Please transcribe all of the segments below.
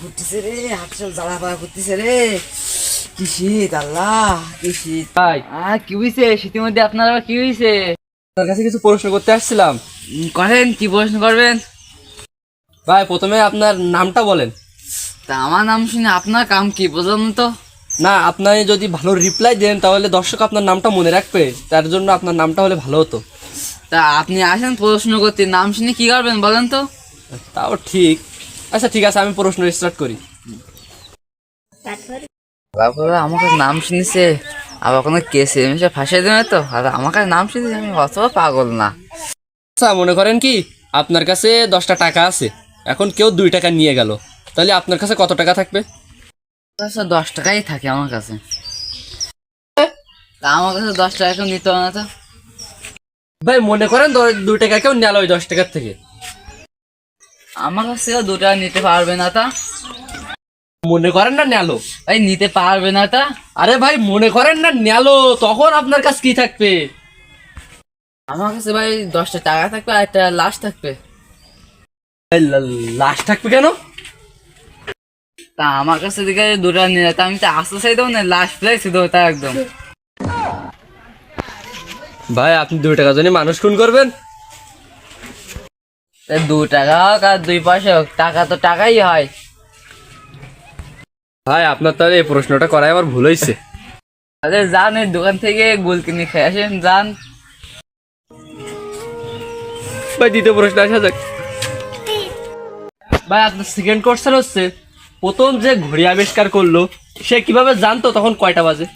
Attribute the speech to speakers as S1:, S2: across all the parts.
S1: করতেছে রে, হাত সব জ্বালা পালা করতেছে রে। কি শীত আল্লাহ, কি শীত।
S2: ভাই,
S1: কি হয়েছে শীতের মধ্যে আপনার আবার কি হয়েছে?
S2: আপনার কাছে কিছু প্রশ্ন করতে আসছিলাম।
S1: করেন, কি প্রশ্ন করবেন?
S2: ভাই, প্রথমে আপনার নামটা বলেন।
S1: তা আমার নাম শুনে আপনার কাম কি বুঝলাম না তো।
S2: না, আপনি যদি ভালো রিপ্লাই দেন তাহলে দর্শক আপনার নামটা মনে রাখবে, তার জন্য আপনার নামটা হলে ভালো হতো।
S1: তা আপনি আসেন প্রশ্ন করতে, নাম শুনে কি করবেন বলেন তো।
S2: তাও ঠিক। আচ্ছা ঠিক আছে, আমি প্রশ্ন স্টার্ট করি।
S1: তারপরে আমার কাছে নাম শুনেছে, আবার কোনো কেসে এমনি ফাঁসিয়ে দেবে তো, আর আমার কাছে নাম শুনেছে, আমি অত পাগল না।
S2: আচ্ছা, মনে করেন কি আপনার কাছে 10টা টাকা আছে, এখন কেউ 2 টাকা নিয়ে গেল, তাহলে আপনার কাছে কত টাকা থাকবে?
S1: আচ্ছা 10 টাকাই থাকে আমার কাছে। তা আমার কাছে 10 টাকা কেউ নিতে হবে না তো।
S2: ভাই, মনে করেন 2 টাকা কেউ নিল ওই 10 টাকার থেকে।
S1: আমার কাছে কেউ 2 টাকা নিতে পারবে না তা।
S2: মনে করেন না নেলো।
S1: ভাই নিতে পারবে না তা।
S2: আরে ভাই, মনে করেন না নেলো, তখন আপনার কাছে কি থাকবে?
S1: আমার কাছে ভাই 10টা টাকা থাকবে আর একটা লাশ থাকবে।
S2: লাশ থাকবে কেন?
S1: তা আমার কাছে দিকে 2 টাকা নিয়ে যেতে আমি তো আসতে চাই দেবো না, লাশ ফেলাইছি দেবো তা একদম।
S2: ভাই, আপনি 2 টাকা জন্য মানুষ খুন করবেন?
S1: 2 টাকা হোক আর 2 পয়সা হোক, টাকা তো টাকাই হয়।
S2: ভাই, আপনার তাহলে এই প্রশ্নটা করাই আমার ভুল হয়েছে।
S1: তাহলে যান এই দোকান থেকে গোল কিনে খেয়ে আসেন, যান।
S2: ভাই, দ্বিতীয় প্রশ্ন আসা যাক। ভাই, আপনার সেকেন্ড কোশ্চেন হচ্ছে, প্রথম যে ঘড়ি আবিষ্কার করলো সে কিভাবে জানতো তখন কয়টা বাজে?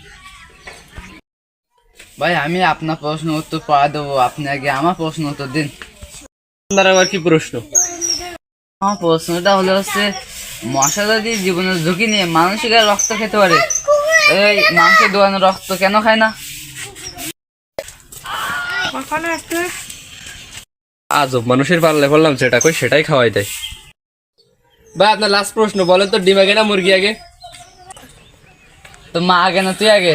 S1: ভাই আমি আপনার প্রশ্ন উত্তর পড়া দেবো, আপনি আগে আমার প্রশ্ন উত্তর দিন।
S2: আপনার আবার কি প্রশ্ন?
S1: আমার প্রশ্নটা হচ্ছে, মশা যদি জীবনের ঝুঁকি নিয়ে মানুষের গায়ে রক্ত খেতে পারে, এই মাংসের দোকানে রক্ত কেন খায় না?
S2: আজব মানুষের পাল্লে পড়লাম, যেটা কই সেটাই খাওয়াই দেয়। ভাই, আপনার লাস্ট প্রশ্ন বলেন তো, ডিম আগে না মুরগি আগে?
S1: তো মা আগে না তুই আগে?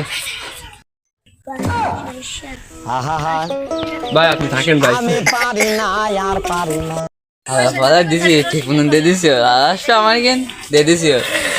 S2: ভাই, আপনি থাকেন ভাই।
S1: দিছি ঠিক মতন দিয়ে দিছি, আসো আমার কেন দিয়ে দিছি।